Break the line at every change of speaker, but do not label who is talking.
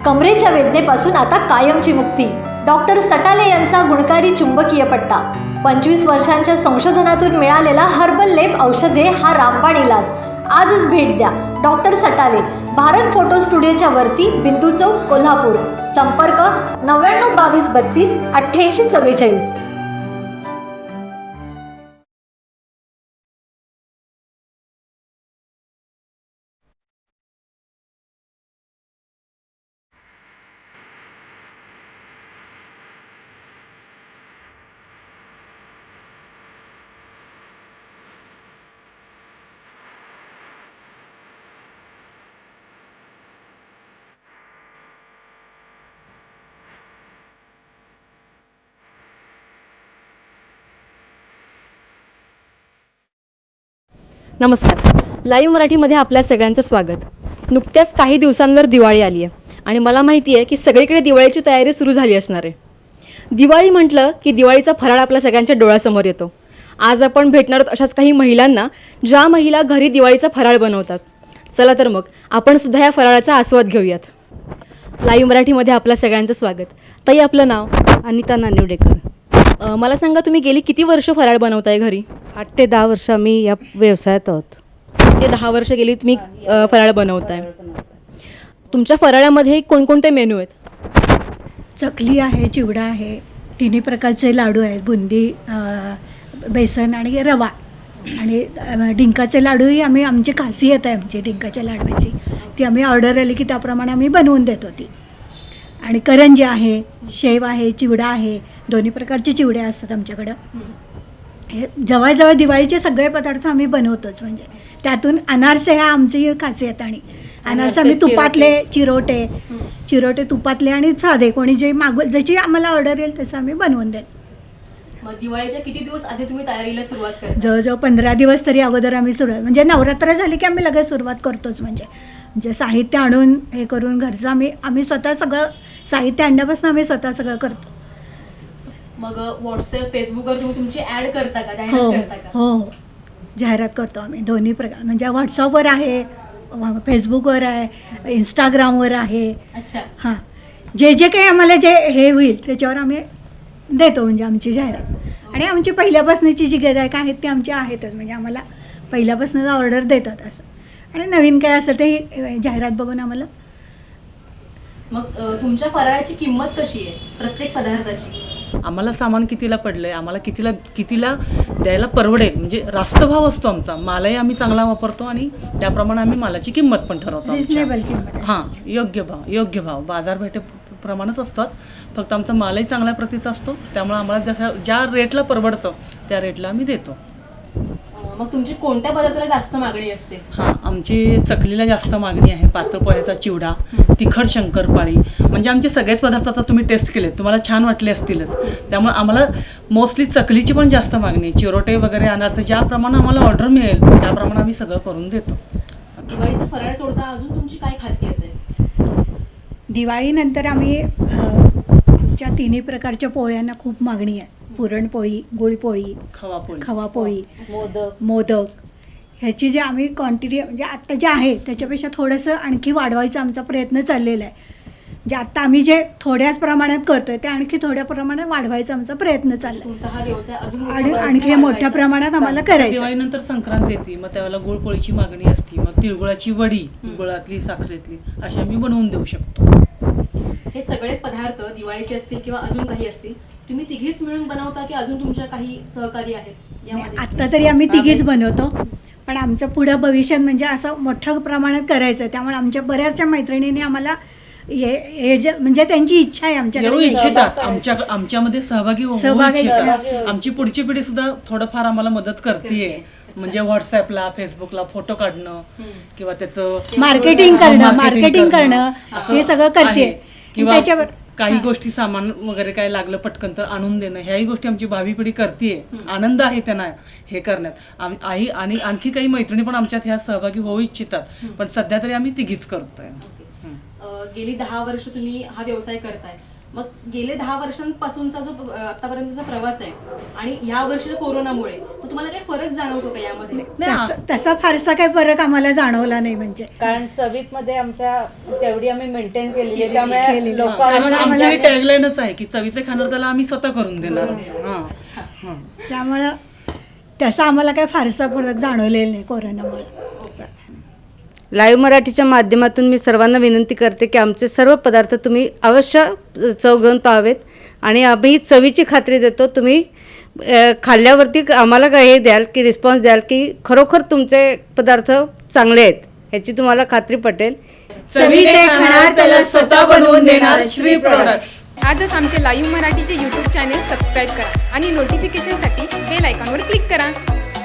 कमरेच्या वेदनेपासून आता कायमची मुक्ती. डॉक्टर सटाले यांचा गुणकारी चुंबकीय पट्टा. 25 वर्षांच्या संशोधनातून मिळालेला हर्बल लेप औषधे हा रामबाण इलाज. आजच भेट द्या. डॉक्टर सटाले, भारत फोटो स्टुडिओच्या वरती, बिंदू चौक, कोल्हापूर. संपर्क 99 22 32 88 44.
नमस्कार. लाईव्ह मराठीमध्ये आपल्या सगळ्यांचं स्वागत. नुकत्याच काही दिवसांवर दिवाळी आली आहे आणि मला माहिती आहे की सगळीकडे दिवाळीची तयारी सुरू झाली असणार आहे. दिवाळी म्हटलं की दिवाळीचा फराळ आपल्या सगळ्यांच्या डोळ्यासमोर येतो. आज आपण भेटणार आहोत अशाच काही महिलांना, ज्या महिला घरी दिवाळीचा फराळ बनवतात. चला तर मग आपण सुद्धा या फराळाचा आस्वाद घेऊयात. लाईव्ह मराठीमध्ये आपल्या सगळ्यांचं स्वागत. ताई, आपलं नाव?
अनिता नानिवडेकर.
मला सांगा, तुम्ही गेली किती वर्ष फराळ बनवताय घरी?
8 ते 10 वर्ष आम्ही या व्यवसायात आहोत.
ते 10 वर्ष गेली तुम्ही फराळ बनवताय. तुमच्या फराळामध्ये कोणकोणते मेनू आहेत?
चकली आहे, चिवडा आहे, तिन्ही प्रकारचे लाडू आहेत, बुंदी, बेसन आणि रवा. आणि डिंकाचे लाडूही आमची खासियत आहे आमची डिंकाच्या लाडवाची. ती आम्ही ऑर्डर आली की त्याप्रमाणे आम्ही बनवून देतो ती. आणि करंजी आहे, शेव आहे, चिवडा आहे. दोन्ही प्रकारचे चिवडे असतात आमच्याकडं. हे जवळजवळ दिवाळीचे सगळे पदार्थ आम्ही बनवतोच. म्हणजे त्यातून अनारसे ह्या आमची खासियत. आणि अनारसे आम्ही तुपातले, चिरोटे तुपातले आणि साधे, कोणी जे जशी आम्हाला ऑर्डर येईल तसं आम्ही बनवून देतो.
मग दिवाळीच्या किती दिवस आधी तुम्ही तयारीला सुरुवात करता?
जवळजवळ 15 दिवस तरी अगोदर आम्ही सुरुवात, म्हणजे नवरात्र झाली की आम्ही लगेच सुरुवात करतोच. म्हणजे साहित्य आणून हे करून घरचं आम्ही स्वतः सगळं साहित्य आणण्यापासून आम्ही स्वतः सगळं करतो.
मग व्हॉट्सअप, फेसबुकवर तुम्ही तुमची ॲड करता का?
हो
करता का?
हो, जाहिरात करतो आम्ही दोन्ही प्रकार. म्हणजे व्हॉट्सअपवर आहे, फेसबुकवर आहे, इंस्टाग्रामवर आहे.
अच्छा.
हां, जे काही आम्हाला जे हे होईल त्याच्यावर आम्ही देतो म्हणजे आमची जाहिरात. आणि आमची पहिल्यापासूनची जी गिरायक आहेत ती आमची आहेतच. म्हणजे आम्हाला पहिल्यापासूनच ऑर्डर देतात असं. आणि नवीन काय असं ते जाहिरात बघून आम्हाला.
मग तुमच्या फराळाची किंमत कशी आहे प्रत्येक पदार्थाची?
आम्हाला सामान कितीला पडलंय, आम्हाला कितीला द्यायला परवडेल, म्हणजे रास्त भाव असतो आमचा. मालही आम्ही चांगला वापरतो आणि त्याप्रमाणे आम्ही मालाची किंमत पण ठरवतो.
रिजनेबल किंमत.
हां, योग्य भाव बाजारपेठेप्रमाणेच असतात. फक्त आमचा मालही चांगल्या प्रतीचा असतो. त्यामुळे आम्हाला ज्या रेटला परवडतं त्या रेटला आम्ही देतो.
मग तुमची कोणत्या पदार्थाला जास्त मागणी असते?
हां, आमची चकलीला जास्त मागणी आहे. पातळ पोह्याचा चिवडा, तिखट शंकरपाळी, म्हणजे आमचे सगळेच पदार्थ आता तुम्ही टेस्ट केले, तुम्हाला छान वाटले असतीलच. त्यामुळे आम्हाला मोस्टली चकलीची पण जास्त मागणी आहे. चिरोटे वगैरे अनारसे ज्याप्रमाणे आम्हाला ऑर्डर मिळेल त्याप्रमाणे आम्ही सगळं करून देतो.
दिवाळीचा फराळ सोडता अजून तुमची काय खासियत आहे?
दिवाळीनंतर आम्ही आमच्या तिन्ही प्रकारच्या पोळ्यांना खूप मागणी आहे. पुरणपोळी, गुळपोळी, खवापोळी, मोदक ह्याची जे आम्ही क्वांटिटी म्हणजे आत्ता जे आहे त्याच्यापेक्षा थोडंसं आणखी वाढवायचा आमचा प्रयत्न चाललेला आहे. म्हणजे आत्ता आम्ही जे थोड्याच प्रमाणात करतोय ते आणखी थोड्या प्रमाणात वाढवायचा आमचा प्रयत्न चालला
तुमचा हा व्यवसाय अजून
आणि आणखी मोठ्या प्रमाणात आम्हाला करायचं.
दिवाळीनंतर संक्रांत येते, मग त्यावेळेला गुळपोळीची मागणी असते. मग तिळगुळाची वडी, गुळातली, साखरेतली अशी आम्ही बनवून देऊ शकतो.
हे सगळे पदार्थ दिवाळीचे असतील किंवा अजून काही असतील, तुम्ही तिघीच मिळून बनवता की अजून तुमच्या काही सहकारी आहेत यामध्ये?
आत्ता तरी आम्ही तिघीच बनवतो, पण आमचं पुढं भविष्यात म्हणजे असं मोठ्या प्रमाणात करायचं आहे. त्यामुळे आमच्या बऱ्याचशा मैत्रिणींनी आम्हाला म्हणजे त्यांची इच्छा आहे
येऊ इच्छितात, आमच्यामध्ये सहभागी होऊ इच्छितात. आमची पुढची पिढी सुद्धा थोडंफार आम्हाला मदत करते. म्हणजे व्हॉट्सअपला, फेसबुकला फोटो काढणं किंवा त्याचं
मार्केटिंग करणं हे सगळं करते.
किंवा
त्याच्यावर
काही गोष्टी सामान वगैरे काय लागलं पटकन तर आणून देणं, ह्याही गोष्टी आमची भावी पिढी करते. आनंद आहे त्यांना हे करण्यात. आई आणि आणखी काही मैत्रिणी पण आमच्यात ह्या सहभागी होऊ इच्छितात, पण सध्या तरी आम्ही तिघीच करतोय.
गेली 10 वर्ष तुम्ही हा व्यवसाय करताय, मग गेले 10 वर्षांपासूनचा जो आतापर्यंतचा प्रवास आहे आणि ह्या वर्षी कोरोनामुळे तर तुम्हाला काही फरक जाणवतो का यामध्ये?
तसा फारसा काही फरक आम्हाला जाणवला नाही म्हणजे.
कारण चवीत मध्ये आमच्या तेवढी आम्ही मेंटेन केलेली त्यामुळे
कारण
लोकांना
आमची टॅगलाईनच आहे की चवीचे खाणार त्याला आम्ही स्वतः करून देणार. हां
त्यामुळं तसा आम्हाला काही फारसा फरक जाणवलेला नाही कोरोनामुळे.
लाईव्ह मराठीच्या माध्यमातून मी सर्वांना विनंती करते की आमचे सर्व पदार्थ तुम्ही अवश्य चव घेऊन पाहावेत आणि आम्ही चवीची खात्री देतो. तुम्ही खाल्ल्यावरती आम्हाला काही द्याल की रिस्पॉन्स द्याल की खरोखर तुमचे पदार्थ चांगले आहेत ह्याची तुम्हाला खात्री पटेल.
चवीचे खाणार त्याला स्वतः बनवून देणार श्री प्रोडक्ट्स.
आजच आमचे लाईव्ह मराठीचे यूट्यूब चॅनेल सबस्क्राईब करा आणि नोटिफिकेशनसाठी बेल आयकॉनवर क्लिक करा.